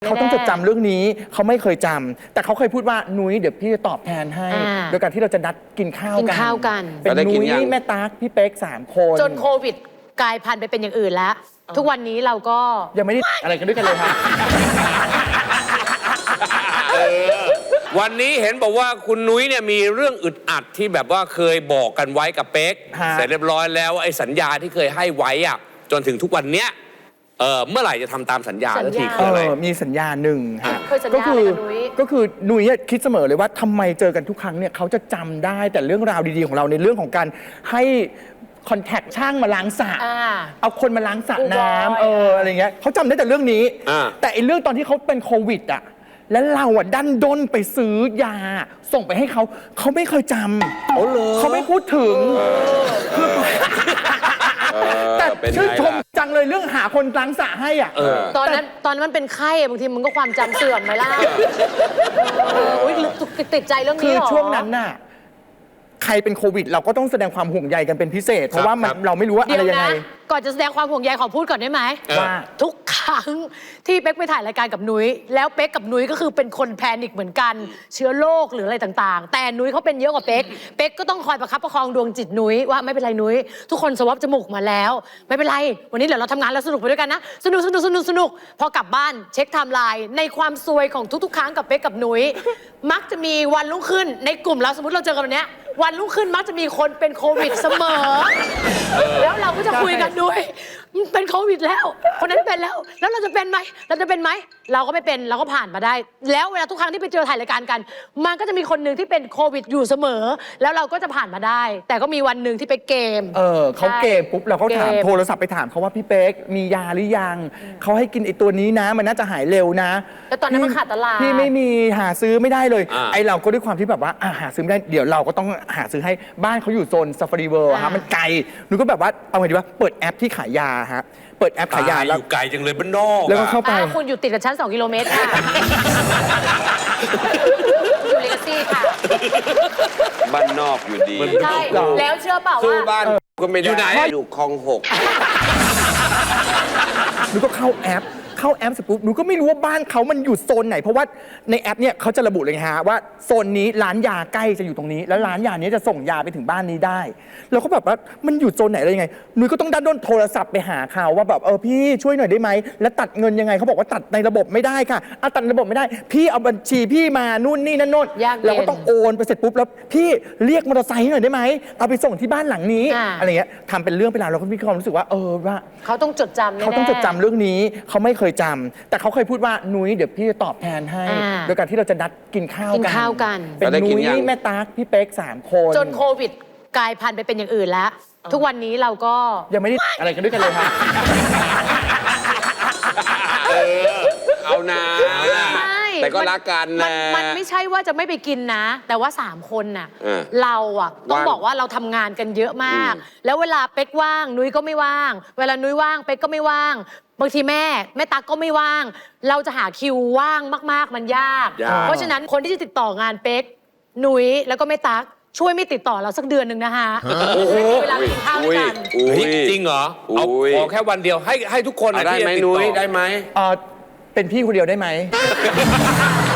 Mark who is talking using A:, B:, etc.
A: เขาต้องจดจำเรื่องนี้เขาไม่เคยจำแต่เขาเคยพูดว่านุ้ยเดี๋ยวพี่จะตอบแทนให้โดยการที่เราจะนัดกินข้าวกันเป็นนุ้ยแม่ตั๊กพี่เป๊ก3 คน
B: จนโควิดกลายพันธุ์ไปเป็นอย่างอื่นแล้วทุกวันนี้เราก็
A: ยังไม่ได้อะไรกันด้วยกันเลยครับ
C: วันนี้เห็นบอกว่าคุณนุ้ยเนี่ยมีเรื่องอึดอัดที่แบบว่าเคยบอกกันไว้กับเป๊กเสร็จเรียบร้อยแล้วไอ้สัญญาที่เคยให้ไว้อะจนถึงทุกวันเนี้ยเมื่อไหร่จะทำตามสัญญาแล้วทีคืออะไร
A: มีสัญญาหนึ่ง
B: ก็
A: คือนุ้ยคิดเสมอเลยว่าทำไมเจอกันทุกครั้งเนี่ยเขาจะจำได้แต่เรื่องราวดีๆของเราในเรื่องของการให้คอนแทคช่างมาล้างสระเอาคนมาล้างสระน้ำอะไรเงี้ยเขาจำได้แต่เรื่องนี้แต่ไอ้เรื่องตอนที่เขาเป็นโควิดอ่ะแล้วเราอ่ะดันด้นไปซื้อยาส่งไปให้เขาไม่เคยจำเขาไม่พูดถึงแต่ชื่นชมจังเลยเรื่องหาคนล้างสระให้อ่ะ
B: ตอนนั้นมันเป็นไข้บางทีมันก็ความจำเสื่อมไหมล่ะติดใจเรื่องนี้
A: คือช่วงนั้นน่ะใครเป็นโควิดเราก็ต้องแสดงความห่วงใยกันเป็นพิเศษเพราะว่าเราไม่รู้ว่าอะไรยังไง
B: ก่อนจะแสดงความห่วงใยขอพูดก่อนได้ไหมว่าทุกครั้งที่เป๊กไปถ่ายรายการกับนุ้ยแล้วเป๊กกับนุ้ยก็คือเป็นคนแพนิคเหมือนกันเชื้อโรคหรืออะไรต่างๆแต่นุ้ยเขาเป็นเยอะกว่าเป๊กก็ต้องคอยประคับประคองดวงจิตนุ้ยว่าไม่เป็นไรนุ้ยทุกคนสวอปจมูกมาแล้วไม่เป็นไรวันนี้เดี๋ยวเราทำงานแล้วสนุกไปด้วยกันนะสนุกพอกลับบ้านเช็คไทม์ไลน์ในความซวยของทุกๆครั้งกับเป๊กกับนุ้ยมักจะมีวันรุ่งขึ้นในกลุ่มเราสมมติเราเจอกันวันนี้วันรุ่งขึ้นมักจะมีคนเป็นโควิดเสมอแล้วเราก็จะคุยกันด้วยเป็นโควิดแล้วคนนั้นเป็นแล้วเราจะเป็นไหมเราก็ไม่เป็นเราก็ผ่านมาได้แล้วเวลาทุกครั้งที่ไปเจอถ่ายรายการกันมันก็จะมีคนหนึ่งที่เป็นโควิดอยู่เสมอแล้วเราก็จะผ่านมาได้แต่ก็มีวันหนึ่งที่ไปเกม
A: เขาเกมปุ๊บเราก็ถามโทรศัพท์ไปถามเขาว่าพี่เป๊กมียาหรือยังเขาให้กินไอ้ตัวนี้นะมันน่าจะหายเร็วนะ
B: แล้วตอนนั้นมันขาดตลาด
A: พี่ไม่มีหาซื้อไม่ได้เลยไอเราก็ด้วยความที่แบบว่าหาซื้อไม่ได้เดี๋ยวเราก็ต้องหาซื้อให้บ้านเขาอยู่โซนซาฟารีเวิลด์ฮะมันไกลหนูก็แบบว่าเอาไงดีว่าเปิดแอปที่ขายยาฮะเปิดแอปขายยา
C: แล้วอยู่ไกลจังเลยบ้านนอก
A: แล้วก็เข้าไป
B: คุณอยู่ติดกับชั้น2 กิโลเมตรค่ะอยู่เลกาซี่ค่ะ
C: บ้านนอกอยู่ดี
B: ใช่แล้วเชื่อเปล่าว่า
C: บ้านก็ไม่ได้อยู่ไหนอยู่คลอง6
A: หนูก็เข้าแอปเสร็จปุ๊บหนูก็ไม่รู้ว่าบ้านเขามันอยู่โซนไหนเพราะว่าในแอปเนี่ยเขาจะระบุเลยฮะว่าโซนนี้ร้านยาใกล้จะอยู่ตรงนี้แล้วร้านยานี้จะส่งยาไปถึงบ้านนี้ได้เราก็แบบว่ามันอยู่โซนไหนอะไรยังไงหนูก็ต้องด้นโทรศัพท์ไปหาเขาว่าแบบพี่ช่วยหน่อยได้ไหมแล้วตัดเงินยังไงเขาบอกว่าตัดในระบบไม่ได้ค่ะตัดในระบบไม่ได้พี่เอาบัญชีพี่มานู่นนี่นั่นโน่นเราก็ต้องโอนไปเสร็จปุ๊บแล้วพี่เรียกมอเตอร์ไซค์หน่อยได้ไหมเอาไปส่งที่บ้านหลังนี้อะไรเงี้ยทำเป็นเรื่องเป็นราวเราก็มีความรู้สึกว่าว่า
B: เขาต้องจดจำ
A: เรื่องนี้เขาไม่เคยจำแต่เขาเคยพูดว่านุ้ยเดี๋ยวพี่จะตอบแทนให้โดยการที่เราจะนัดกินข้าวกันเป็นนุ้ยแม่ตั๊กพี่เป๊ก3 คน
B: จนโควิดกลายพันธุ์ไปเป็นอย่างอื่นแล้วทุกวันนี้เราก็
A: ยังไม่ได้อะไรกันด้วยกันเลยครับ
C: เอานะแต่ก็รักกันนะ
B: มันไม่ใช่ว่าจะไม่ไปกินนะแต่ว่า3 คนน่ะเราต้องบอกว่าเราทำงานกันเยอะมากแล้วเวลาเป๊กว่างนุ้ยก็ไม่ว่างเวลานุ้ยว่างเป๊กก็ไม่ว่างบางทีแม่ตั๊กก็ไม่ว่างเราจะหาคิวว่างมากๆมันยากเพราะฉะนั้นคนที่จะติดต่องานเป๊กนุ้ยแล้วก็แม่ตั๊กช่วยไม่ติดต่อเราสักเดือนหนึ่งนะคะไม่มีเวลากินข้าวด้วยกัน
C: จริงเหรอเอาขอแค่วันเดียวให้ทุกคน
A: ได้ไหมนุ้ยได้ไหมเป็นพี่คนเดียวได้ไหม